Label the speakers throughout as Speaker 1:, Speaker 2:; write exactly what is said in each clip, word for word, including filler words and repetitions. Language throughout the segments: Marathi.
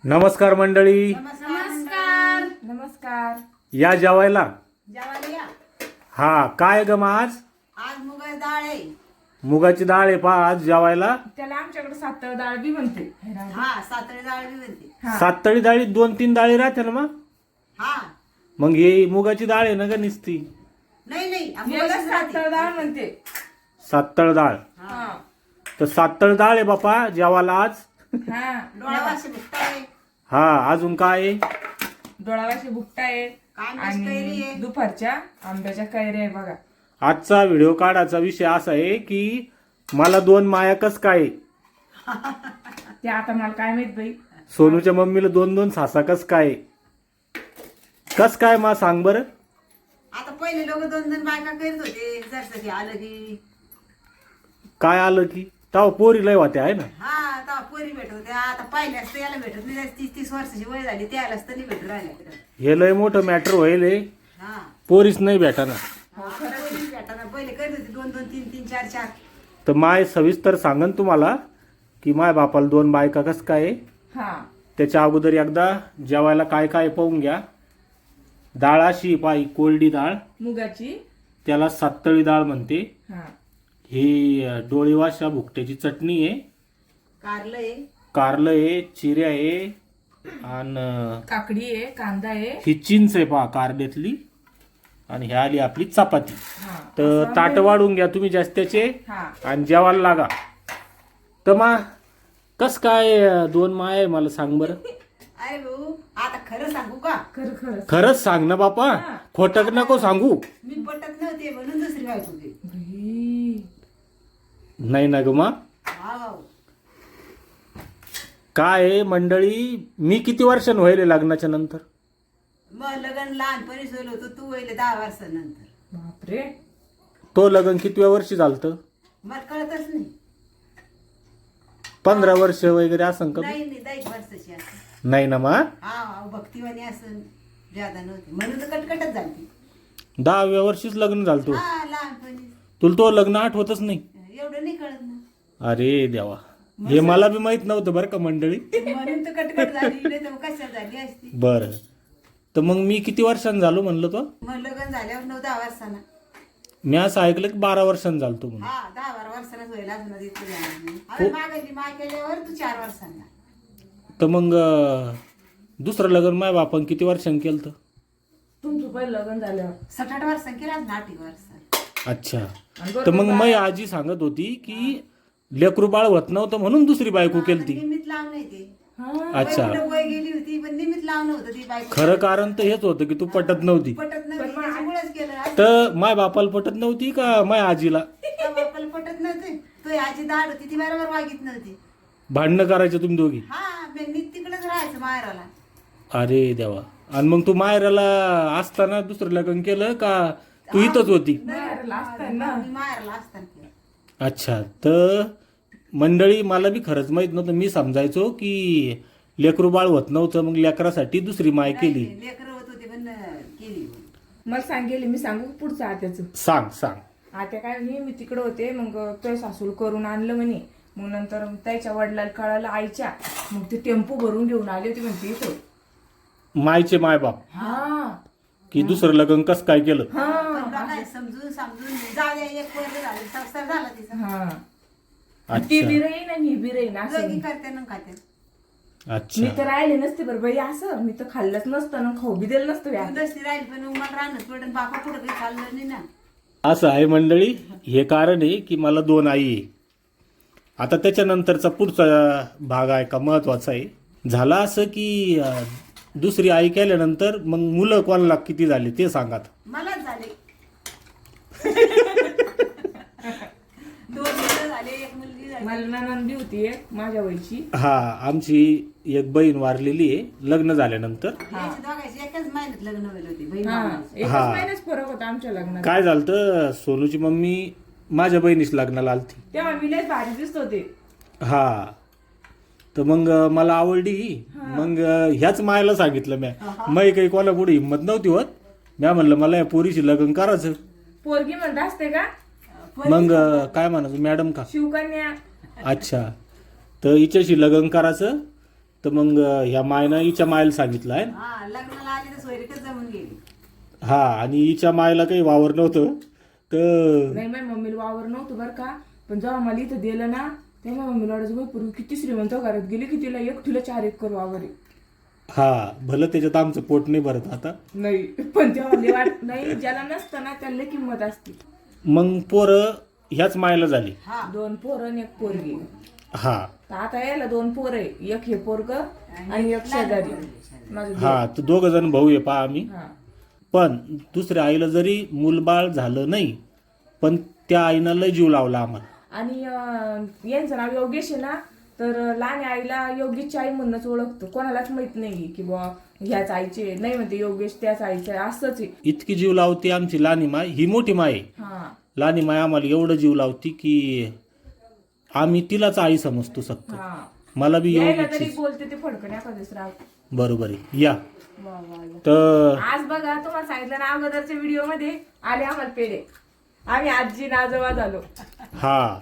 Speaker 1: नमस्कार मंडळी,
Speaker 2: नमस्कार नमस्कार.
Speaker 1: या जेवायला.
Speaker 2: जेवायला या.
Speaker 1: हा काय ग मग आज
Speaker 2: आज मुगाची डाळ आहे.
Speaker 1: मुगाची डाळ आहे पा आज जेवायला.
Speaker 3: त्याला आमच्याकडे सातळ डाळ बी म्हणते.
Speaker 2: हा सातळी डाळ बी म्हणते.
Speaker 3: हा.
Speaker 1: सातळी डाळीत दोन तीन डाळी राहते ना मग
Speaker 2: हा
Speaker 1: मग हे मुगाची डाळ आहे ना ग निसती
Speaker 2: नाही नाही
Speaker 3: याला
Speaker 2: मुगाचीच राहते.
Speaker 3: सातळ डाळ म्हणते.
Speaker 1: सातळ डाळ.
Speaker 2: हा.
Speaker 1: तर सातळ डाळ आहे बापा जेवायला आज.
Speaker 3: हा
Speaker 2: डोळावाशी भुकटा आहे.
Speaker 1: हा अजून काय आहे?
Speaker 3: डोळावाशी भुकटा आहे
Speaker 2: आंब्याची कैरी
Speaker 3: आणि
Speaker 2: आहे.
Speaker 3: दुपारच्या आंब्याच्या कैऱ्या आहे बघा.
Speaker 1: आजचा व्हिडिओ काढायचा विषय असा आहे की मला दोन माया कस काय,
Speaker 3: ते आता मला काय माहित बाई.
Speaker 1: सोनूच्या मम्मीला दोन दोन सासा कस काय, कस काय मा सांग बरं.
Speaker 2: आता पहिले लोक दोन दोन बायका करीत होते. जसं की आलं की
Speaker 1: काय आलं की तेव्हा पोरी लय होत्या आहे ना.
Speaker 2: हा आता पोरी भेटत होत्या. आता पाहिल्या असतं याला भेटत नाही. तीस तीस वर्षाची वय झाली त्याला असतं नाही भेटत राहिल्या.
Speaker 1: हे लय मोठं मॅटर होईल हे.
Speaker 2: हा
Speaker 1: पोरीच नाही भेटाना.
Speaker 2: हो, खरं पोरी भेटाना. पहिले करीत होते दोन दोन तीन तीन चार चार.
Speaker 1: तर माय सविस्तर सांगन तुम्हाला की माय बापाला दोन बायका कस काय आहे.
Speaker 3: हा
Speaker 1: त्याच्या अगोदर एकदा जेवायला काय काय पाहून घ्या. डाळ अशी पाई कोरडी डाळ,
Speaker 3: मुगाची.
Speaker 1: त्याला सातळी डाळ म्हणते.
Speaker 3: हा
Speaker 1: ही डोळीवाशा भुकट्याची चटणी आहे,
Speaker 2: कारलं आहे.
Speaker 1: कारलं आहे, चिऱ्या आहे आणि
Speaker 3: काकडी आहे, कांदा आहे.
Speaker 1: ही चिंच आहे पहा कारड्यातली. आणि ह्या आली आपली चपाती.
Speaker 3: हा
Speaker 1: तर
Speaker 3: असं
Speaker 1: ताट वाढून घ्या तुम्ही जास्त्याचे
Speaker 3: हा
Speaker 1: आणि जेवायला लागा. तर मा कस काय दोन माय आहे मला सांग बरं.
Speaker 2: अरे भाऊ आता खरं सांगू का.
Speaker 3: खरं खरं
Speaker 1: खरंच सांग ना बापा, खोटक नको सांगू.
Speaker 2: मी पटत नव्हते म्हणून दुसरी बायको केली.
Speaker 3: बाई.
Speaker 1: नाही ना ग मा.
Speaker 2: हा भाऊ.
Speaker 1: काय आहे मंडळी, मी किती वर्षांनी व्हायले लग्नाच्या नंतर.
Speaker 2: मग लग्न लहानपणी सोयलं होतं. तू वहिले दहा वर्षानंतर.
Speaker 3: बापरे.
Speaker 1: तो लग्न कितव्या वर्षी झालतं.
Speaker 2: मला कळतच नाही.
Speaker 1: पंधरा वर्ष वगैरे असं का.
Speaker 2: नाही नाही दहा एक वर्षाची असं.
Speaker 1: नाही ना मा.
Speaker 2: हा भक्तिवानी असं ज्यादा नव्हती म्हणून तर कटकटच झाली.
Speaker 1: दहाव्या वर्षीच लग्न झालं तो.
Speaker 2: हा लहानपणी.
Speaker 1: तुला तो लग्न आठवतच नाही.
Speaker 2: एवढं नाही कळत ना.
Speaker 1: अरे देवा, हे मला बी माहित नव्हतं बरं का मंडळी.
Speaker 2: म्हणून तर कटकट झाली. नाही तर कशा झाली असती.
Speaker 1: बरं, तर मग मी किती वर्षांनी झालो म्हणलं तो.
Speaker 2: मग लग्न झाल्यावर नऊ दहा वर्षांना.
Speaker 1: मी असं ऐकलं की बारा वर्षांनी झालतो म्हणून.
Speaker 2: हा दहा बारा वर्षांनाच व्हायला असणार इतकं झालं. अरे मागायची मा केल्यावर तू चार वर्षांना.
Speaker 1: तर मग अं, दुसरं लग्न माझ्या बापान किती वर्षांनी केलं तर.
Speaker 3: तुमचं पहिलं लग्न झाल्यावर.
Speaker 2: सात आठ वर्षांनी केला ना आठ वर्षांनी.
Speaker 1: अच्छा,
Speaker 3: आणि
Speaker 1: तर
Speaker 3: बरोबर
Speaker 1: मग माझी आजी सांगत होती की लेकरू बाळ होत नव्हतं म्हणून दुसरी बायको केलती.
Speaker 2: निमित्त लावून ते.
Speaker 3: हा.
Speaker 1: अच्छा,
Speaker 2: वय वय गेली होती पण निमित्त लावणं होतं ती बायको.
Speaker 1: खरं कारण तर हेच होतं की तू पटत नव्हती.
Speaker 2: पटत नव्हती त्याच्यामुळेच केलं.
Speaker 1: तर माय बापाला पटत नव्हती का माय आजीला.
Speaker 2: त्या बापाला पटत नव्हते. तो आजी दाड होती ती बरोबर वागित नव्हती.
Speaker 1: भांडणं करायचं तुम्ही दोघी.
Speaker 2: हा मी तिकडेच राहायचं माहेराला.
Speaker 1: अरे देवा, आणि मग तू मायराला असताना दुसरं लग्न केलं का तू इथंच होती.
Speaker 3: माहेरला असताना.
Speaker 2: मी माहेराला असताना केलं.
Speaker 1: अच्छा, तर मंडळी मला बी खरंच माहित नव्हतं. मी समजायचो की लेकरू बाळ होत नव्हतं मग लेकरासाठी दुसरी माय केली.
Speaker 2: लेकरं होत होते पण केली.
Speaker 3: मला सांगेल मी सांगू का पुढचं आत्याचं.
Speaker 1: सांग सांग.
Speaker 3: आत्या काय म्हणे मी तिकडे होते मग तो सासूल करून आणलं म्हणे. मग नंतर त्याच्या वडिलाला कळालं आईच्या. मग ते टेम्पो भरून घेऊन आले होते म्हणते इथं.
Speaker 1: मायचे माय बाप
Speaker 3: हा
Speaker 1: की दुसरं लग्न कस काय केलं.
Speaker 3: हा
Speaker 2: पण काय समजून समजून जाऊ द्या एक वर्ष झाले संसार झाला तिचा.
Speaker 3: हा ती
Speaker 1: अच्छा
Speaker 3: बी राहीन आणि ही बी राहीन असं.
Speaker 2: दोघी करते ना खाते.
Speaker 3: मी
Speaker 1: अच्छा,
Speaker 3: तर राहिले नसते बरं बाई असं. मी तर खाल्लंच नसतं ना खाऊ बी दिलं नसतं व्या.
Speaker 2: तू दसरी राहील पण मला राहणंच पडून बापा पुढं काही चाललं नाही ना.
Speaker 1: असं आहे मंडळी. हे कारण आहे की मला दोन आई आहे. आता त्याच्यानंतरचा पुढचा भाग आहे का महत्वाचा आहे. झाला असं की अं, दुसरी आई केल्यानंतर मग मुलं कोणाला किती झाले ते सांगा.
Speaker 2: मलाच झाले. दोन मुलं झाले एक मुलगी झाली.
Speaker 3: मला नणंद बी होती एक माझ्या वयची.
Speaker 1: हा, आमची एक बहीण वारलेली आहे लग्न झाल्यानंतर.
Speaker 2: याची दोघांची एकाच महिन्यात लग्न व्हायला होती बहीण
Speaker 3: हा
Speaker 2: भावाची.
Speaker 3: एकच
Speaker 1: हा.
Speaker 3: महिन्याच फरक होता आमच्या लग्नात.
Speaker 1: काय झालं तर सोनूची मम्मी माझ्या बहिणीच लग्नाला आलती.
Speaker 3: तेव्हा मी लयच भारी दिसत होते.
Speaker 1: हा, तर मग मला आवडली ही. मग ह्याच मायला सांगितलं म्या. मै काही कोणा पुढे हिंमत नव्हती होत. म्या म्हणलं मला या पोरीशी लग्न करायचं.
Speaker 3: पोरगी म्हणत असते का
Speaker 1: मग काय म्हणायचं मॅडम का.
Speaker 3: शिवकन्या.
Speaker 1: अच्छा, तर हिच्याशी लग्न करायचं तर मग ह्या मायनं हिच्या मायला सांगितलं आहे.
Speaker 2: हा लग्नाला आली तर सोयरीकच जमून गेली.
Speaker 1: हा आणि हिच्या मायला काही वावर नव्हतं तर
Speaker 3: नाही माझ्या मम्मीला वावर नव्हतं बरं का, पण जेव्हा मला इथं दिलं ना तेव्हा मम्मीला वाटायचं बाई पूर्वी किती श्रीमंत घरात गेली की तिला एकटीला चार एकर वावर आहे.
Speaker 1: हा भलं त्याच्यात आमचं पोट नाही भरत आता.
Speaker 3: नाही पण तेव्हा लय वाट नाही, ज्याला नसतं ना त्याला लय किंमत असते.
Speaker 1: मग पोरं ह्याच मायला झाली.
Speaker 2: हा
Speaker 3: दोन पोरं आणि एक पोरगी.
Speaker 1: हा
Speaker 3: तर आता यायला दोन पोर आहे, एक हे पोरग आणि एक शेजारी माझं दीर.
Speaker 1: हा तर दोघ जण भाऊ आहे पहा आम्ही.
Speaker 3: हा.
Speaker 1: पण दुसऱ्या आईला जरी मूलबाळ झालं नाही पण त्या आईनं लय जीव लावला आम्हाला.
Speaker 3: आणि अं, यांचं नाव योगेश आहे ना, तर लहान आईला योगेशची आई म्हणूनच ओळखतो, कोणालाच माहित नाही की बुवा ह्याच आईचे नाही, म्हणते योगेश त्याच आईचे आहे, असंच आहे.
Speaker 1: इतकी जीव लावते आमची लहानी माय. ही मोठी माय आहे.
Speaker 3: हा
Speaker 1: लहानी माय आम्हाला एवढं जीव लावती की आम्ही तिलाच आई समजतो सक्त.
Speaker 3: हा
Speaker 1: मला बी
Speaker 3: यायला
Speaker 1: एवढीच
Speaker 3: तरी बोलते ते फडकण एखादेच राव.
Speaker 1: बरोबर आहे. या
Speaker 3: वा वा वा.
Speaker 1: तर
Speaker 3: आज बघा तुम्हाला सांगितलं ना अगोदरच्या व्हिडिओ मध्ये आले आम्हाला पेढे, आम्ही आजी नाजोबा झालो.
Speaker 1: हा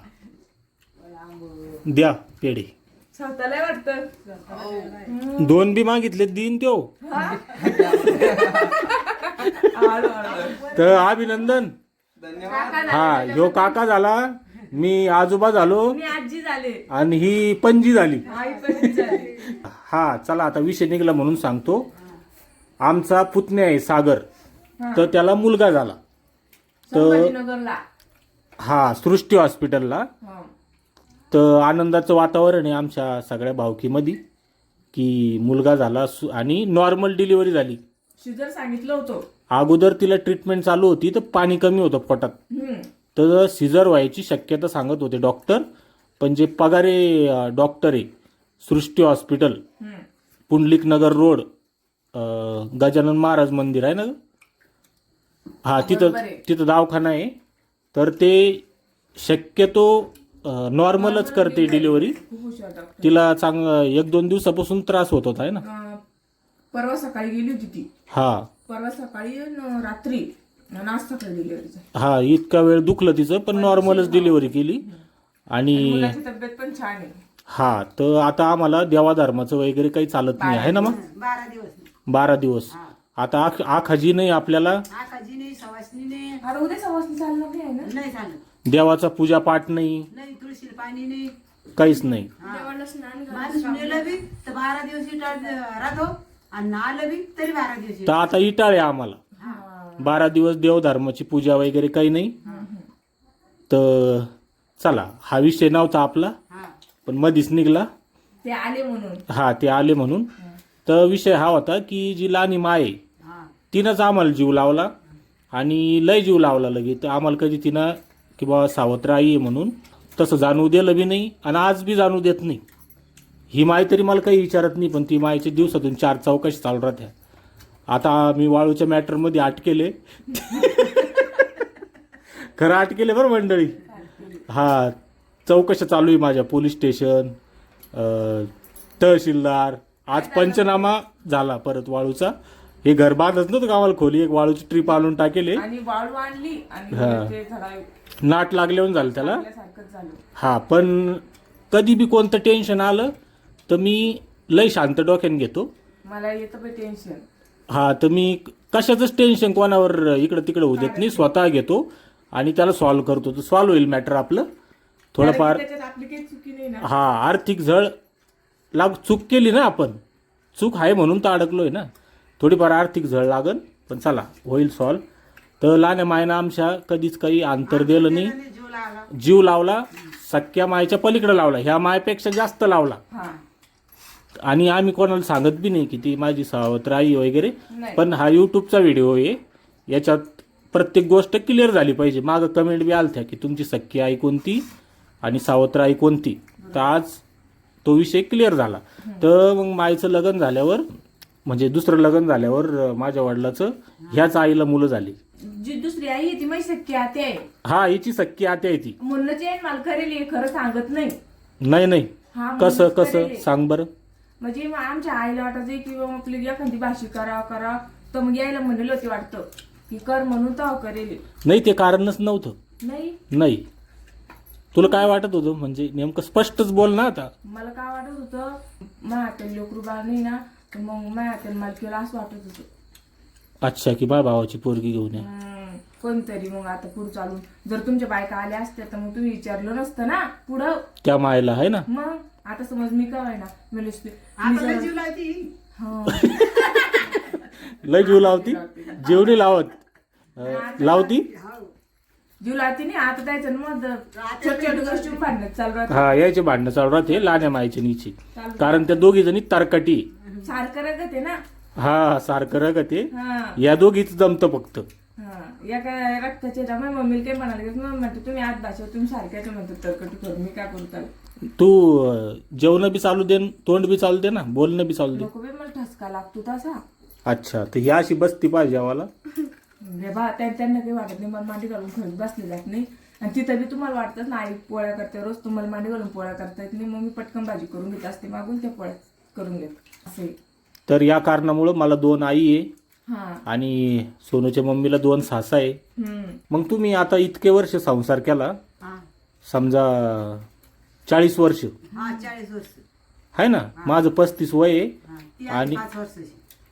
Speaker 1: द्या पेढे.
Speaker 3: स्वतःला वाटतं
Speaker 1: दोन बी मागितले दिन त्यो. तर अभिनंदन. हा ह्यो काका झाला, मी आजोबा झालो
Speaker 3: मी आजी झाले
Speaker 1: आणि ही पणजी झाली.
Speaker 3: आई पण झाली.
Speaker 1: हा चला आता विषय निघला म्हणून सांगतो. आमचा पुतण्या आहे सागर, तर त्याला मुलगा झाला.
Speaker 3: संभाजीनगरला.
Speaker 1: हा सृष्टी हॉस्पिटलला.
Speaker 3: हा.
Speaker 1: तर आनंदाचं वातावरण आहे आमच्या सगळ्या भावकीमध्ये की मुलगा झाला सु- आणि नॉर्मल डिलिव्हरी झाली.
Speaker 3: शिजर सांगितलं होतं.
Speaker 1: अगोदर तिला ट्रीटमेंट चालू होती तर पाणी कमी होतं पोटात,
Speaker 3: हम्म.
Speaker 1: तर सिझर व्हायची शक्यता सांगत होते डॉक्टर. पण जे पगारे डॉक्टर आहे सृष्टी हॉस्पिटल,
Speaker 3: हम्म.
Speaker 1: पुंडलिक नगर रोड, अं, गजानन महाराज मंदिर आहे ना, हा तिथं
Speaker 3: बरोबर आहे.
Speaker 1: तिथं दवाखाना आहे. तर ते शक्यतो नॉर्मलच करते डिलिव्हरी.
Speaker 3: खूप हुशार डॉक्टर.
Speaker 1: तिला चांग एक दोन दिवसापासून त्रास होत होता आहे ना.
Speaker 3: अं, परवा सकाळी गेली होती ती.
Speaker 1: हा
Speaker 3: परवा सकाळी न रात्री आणि आज सकाळी डिलिव्हरीचा.
Speaker 1: हा इतका वेळ दुखलं तिचं पण नॉर्मलच डिलिव्हरी केली. आणि
Speaker 3: मुलाची तब्येत पण छान आहे.
Speaker 1: हा तर आता आम्हाला देवाधर्माचं वगैरे काही चालत नाही आहे ना मग.
Speaker 2: बारा दिवस
Speaker 1: बारा दिवस आता आख आखाजी नाही आपल्याला,
Speaker 2: आकाजी नाही सवासनी नाही
Speaker 3: आता उद्या सवासनी चालणार नाही आहे ना.
Speaker 2: नाही झालं,
Speaker 1: देवाचा पूजा पाठ नाही,
Speaker 2: नाही तुळशीला पाणी नाही.
Speaker 1: काहीच नाही.
Speaker 3: देवाला स्नान
Speaker 2: माणूस मेलं बी तर बारा दिवस इटाळ राहतो आणि आलं बी तरी बारा दिवस
Speaker 1: तर आता इटाळे आम्हाला बारा दिवस देवधर्माची पूजा वगैरे काही नाही. तर चला हा विषय नव्हता आपला
Speaker 2: हा
Speaker 1: पण मधीच निघला.
Speaker 3: ते आले म्हणून.
Speaker 1: हा ते आले म्हणून. तर विषय हा होता की जी लहानी माय आहे,
Speaker 2: हा
Speaker 1: तिनंच आम्हाला जीव लावला आणि लय जीव लावला लगे. तर आम्हाला कधी तिनं की बाबा सावत्र आई आहे म्हणून तसं जाणवू दिलं बी नाही आणि आज बी जाणू देत नाही. ही माय तरी मला काही विचारत नाही, पण ती मायच्या दिवसातून चार चौकशी चालू राहत्या. आता मी वाळूच्या मॅटरमध्ये अटकेले खरं अटकेले बरं मंडळी. हा चौकशा चालू आहे माझ्या, पोलीस स्टेशन, अं, तहसीलदार. आज पंचनामा झाला परत वाळूचा. हे घर बांधत नव्हतं का आम्हाला खोली, एक वाळूची ट्रिप आणून टाकेले.
Speaker 3: आणि वाळू आणली आणि
Speaker 1: हा.
Speaker 3: ते थोडा
Speaker 1: नाट लागल्यावर झालं त्याला.
Speaker 3: सारखंच झालं.
Speaker 1: हा पण कधी बी कोणतं टेन्शन आलं तर मी लय शांत डोक्याने घेतो.
Speaker 3: मला येतं पण टेन्शन.
Speaker 1: हा तर मी कशाचंच टेन्शन कोणावर इकडं तिकडं होऊ देत नाही, स्वतः घेतो आणि त्याला सॉल्व्ह करतो. तर सॉल्व्ह होईल मॅटर आपलं थोडंफार.
Speaker 3: त्याच्यात आपली काही चुकी नाही ना.
Speaker 1: हा आर्थिक झळ लाग चूक केली ना आपण, चूक आहे म्हणून तर अडकलोय ना. थोडीफार आर्थिक झळ लागन पण चला होईल सॉल्व्ह. तर लहान्या मायनं आमच्या कधीच काही अंतर दिलं नाही,
Speaker 2: जीव लागला.
Speaker 1: जीव लावला, सख्या मायच्या पलीकडे लावला, ह्या मायपेक्षा जास्त लावला.
Speaker 3: हा.
Speaker 1: आणि आम्ही कोणाला सांगत बी नाही की ती माझी सावत्र आई वगैरे.
Speaker 3: नाही.
Speaker 1: पण हा यूट्यूबचा व्हिडिओ आहे, याच्यात प्रत्येक गोष्ट क्लिअर झाली पाहिजे. मागं कमेंट बी आलत्या की तुमची सख्खी आई कोणती आणि सावत्र आई कोणती. तर आज तो विषय क्लिअर झाला. तर मग माईचं लग्न झाल्यावर म्हणजे दुसरं लग्न झाल्यावर माझ्या वडिलाचं ह्याच आईला मुलं झाली.
Speaker 3: जी दुसरी आई आहे ती माझी सख्खी आते आहे.
Speaker 1: हा हिची सख्खी आते आहे ती.
Speaker 3: म्हणूनच येईन मला करेल हे खरं सांगत नाही.
Speaker 1: नाही नाही
Speaker 3: हा
Speaker 1: कसं
Speaker 3: म्हणूनच
Speaker 1: कसं
Speaker 3: करेल.
Speaker 1: सांग बरं.
Speaker 3: म्हणजे मग आमच्या आईला वाटायचं की बाबा आपली एखादी भाषी करा करा, तर मग यायला म्हणलं होते वाटतं की कर म्हणून तर करेल.
Speaker 1: नाही ते कारणच नव्हतं.
Speaker 3: नाही
Speaker 1: नाही तुला काय वाटत होतं म्हणजे नेमकं स्पष्टच बोल ना आता.
Speaker 3: मला काय वाटत होतं माझ्या लेकरू बाळ नाही ना, तर मग माझ्या मला केलं असं वाटत होतं.
Speaker 1: अच्छा, की माझ्या भावाची पोरगी घेऊन या.
Speaker 3: हम्म, कोणतरी मग आता पुढे चालून जर तुमच्या बायका आल्या असत्या तर मग तुम्ही विचारलं नसतं ना पुढं.
Speaker 1: त्या मायला आहे ना.
Speaker 3: मग आता समज मी काय ना मी
Speaker 2: आता लय जीव लावती.
Speaker 1: लय जीव लावती, जेवढी लावत अं, लावती.
Speaker 2: हो.
Speaker 3: जीव लावती नाही आता त्याच्या मग छोट छोट गोष्टी भांडण्यात चालू राहते.
Speaker 1: हा, याचे भांडणं चालू राहते लाण्या मायची नीची, कारण त्या दोघी जणी तारकटी.
Speaker 3: सारखं रगत आहे ना.
Speaker 1: हा, सारखं रगत आहे.
Speaker 3: हा
Speaker 1: या दोघीच जमतं फक्त.
Speaker 3: हा या काय रक्ताचे त्यामुळे मम्मीला काही म्हणाले मग म्हणतो तुम्ही आज भाषा तुम्ही सारख्याच म्हणतो तरकटी करून मी काय करू त्याला.
Speaker 1: तू अं, जेवण बी चालू दे, तोंड बी चालू दे ना, बोलणं बी चालू दे.
Speaker 3: नको बे मला ठसका लागतो तसा.
Speaker 1: अच्छा, तर ह्या अशी बसती पाहिजे आम्हाला.
Speaker 3: रे बा त्या- त्यांना काही वाटत नाही, मला मांडी घालून खरंच बसले जात नाही. आणि तिथं बी तुम्हाला वाटतं ना आई पोळ्या करते रोज, तुम्हाला मांडी घालून पोळ्या करता येत नाही, मग मी पटकन भाजी करून घेत असते मागून त्या पोळ्या करून घेत असे.
Speaker 1: तर या कारणामुळं मला दोन आई आहे
Speaker 3: हा
Speaker 1: आणि सोनूच्या मम्मीला दोन सासा आहे.
Speaker 3: हम्म
Speaker 1: मग तुम्ही आता इतके वर्ष संसार केला,
Speaker 2: हा
Speaker 1: समजा चाळीस वर्ष
Speaker 2: हा चाळीस वर्ष.
Speaker 1: आहे ना, माझं पस्तीस वय आहे.
Speaker 2: हा, ती
Speaker 1: आणि-
Speaker 2: आहे पाच वर्षाची.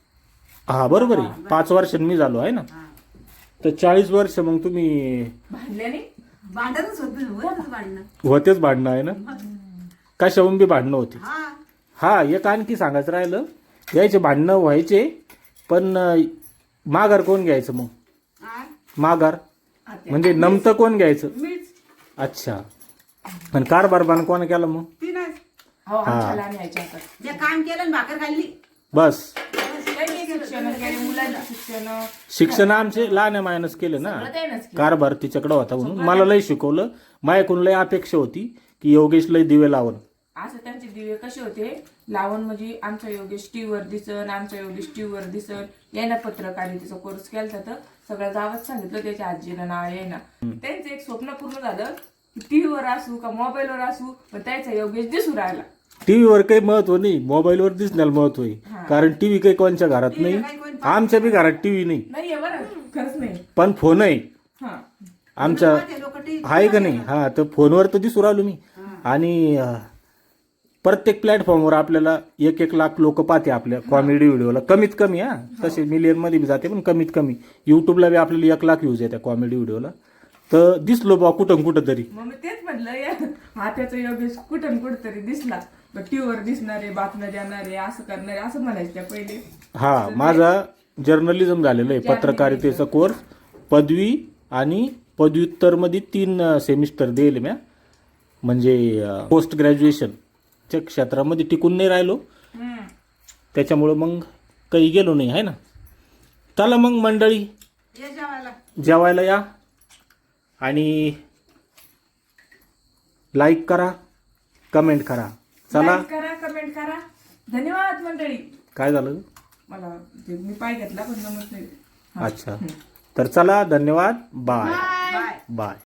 Speaker 1: हा बरोबर आहे, पाच वर्षांनी मी झालो आहे ना.
Speaker 2: हा.
Speaker 1: तर चाळीस वर्ष मग तुम्ही
Speaker 3: भांडल्याने
Speaker 2: भांडणच होत होतच भांडणं.
Speaker 1: होतेच भांडणं आहे ना, कशाहून बी भांडणं होते.
Speaker 2: हा
Speaker 1: हा, एक आणखी सांगायचं राहिलं, यायचे भांडणं व्हायचे, पण अं, माघार कोण घ्यायचं मग?
Speaker 2: हा.
Speaker 1: माघार
Speaker 3: आत्या.
Speaker 1: म्हणजे नमतं कोण घ्यायचं?
Speaker 2: मीच
Speaker 1: अच्छा, आणि कारभार बाण कोण केला मग?
Speaker 2: तिनंच
Speaker 3: हो आमच्या लहान यायच्या हातात.
Speaker 2: जे काम केलं आणि भाकर खाल्ली.
Speaker 1: बस.
Speaker 3: त्यांनी शिक्षण केले, मुलांचे शिक्षण
Speaker 1: शिक्षण आमचे लहान मायनस केले ना,
Speaker 3: सगळं त्यानंच केलं.
Speaker 1: कारभार तिच्याकडे होता म्हणून मला लय शिकवलं. माझ्याकडून लय अपेक्षा होती की योगेश लय दिवे लावण.
Speaker 3: असं त्यांचे दिवे कसे होते लावण, म्हणजे आमचा योगेश टीव्हीवर दिसन, आमचा योगेश टीव्हीवर दिसन. यायला पत्रकारितेचा कोर्स केला तर सगळ्या गावात सांगितलं त्याच्या आजीला नाव येईना. त्यांचं एक स्वप्न पूर्ण झालं की टीव्हीवर असू का मोबाईलवर असू पण त्याचा योगेश दिसू राहिला.
Speaker 1: टीव्हीवर काही महत्व नाही, मोबाईलवर दिसण्याला महत्व आहे. कारण टीव्ही काही कोणच्या घरात नाही, आमच्या बी घरात टीव्ही नाही,
Speaker 3: नाहीये बरं खरंच नाही.
Speaker 1: पण फोन आहे
Speaker 3: हा
Speaker 1: आमच्या,
Speaker 2: लोक टी
Speaker 1: आहे का नाही. हा, तर फोनवर तर दिसू राहिलो मी. आणि अं, प्रत्येक प्लॅटफॉर्मवर आपल्याला एक एक लाख लोक पाहते आपल्या कॉमेडी व्हिडिओला, कमीत कमी. हा, तसे मिलियन मध्ये बी जाते पण कमीत कमी. युट्यूबला बी आपल्याला एक लाख व्ह्यूज येतात कॉमेडी व्हिडिओला. तर दिसलो बा कुठं कुठं तरी.
Speaker 3: मग मी तेच म्हटलं या हा त्याचा योगेश कुठं कुठं तरी दिसला, टीव्हीवर दिसणारे, बातम्या देणारे, असं करणारे असं म्हणायचं त्या पहिले.
Speaker 1: हा, माझा जर्नलिझम झालेलं आहे, पत्रकारितेचा कोर्स, पदवी आणि पदव्युत्तरमध्ये तीन सेमिस्टर दिले म्या. म्हणजे पोस्ट ग्रॅज्युएशनच्या क्षेत्रामध्ये टिकून नाही राहिलो,
Speaker 3: हम्म.
Speaker 1: त्याच्यामुळं मग काही गेलो नाही आहे ना. चला मग मंडळी,
Speaker 2: ये जेवायला.
Speaker 1: जेवायला या आणि लाईक करा, कमेंट करा. चला.
Speaker 3: लाईक करा, कमेंट करा. धन्यवाद मंडळी.
Speaker 1: काय झालं?
Speaker 3: मला ते मी पाय घेतला पण जमत नाही.
Speaker 1: अच्छा, तर चला, धन्यवाद. Bye
Speaker 2: bye.
Speaker 1: बाय.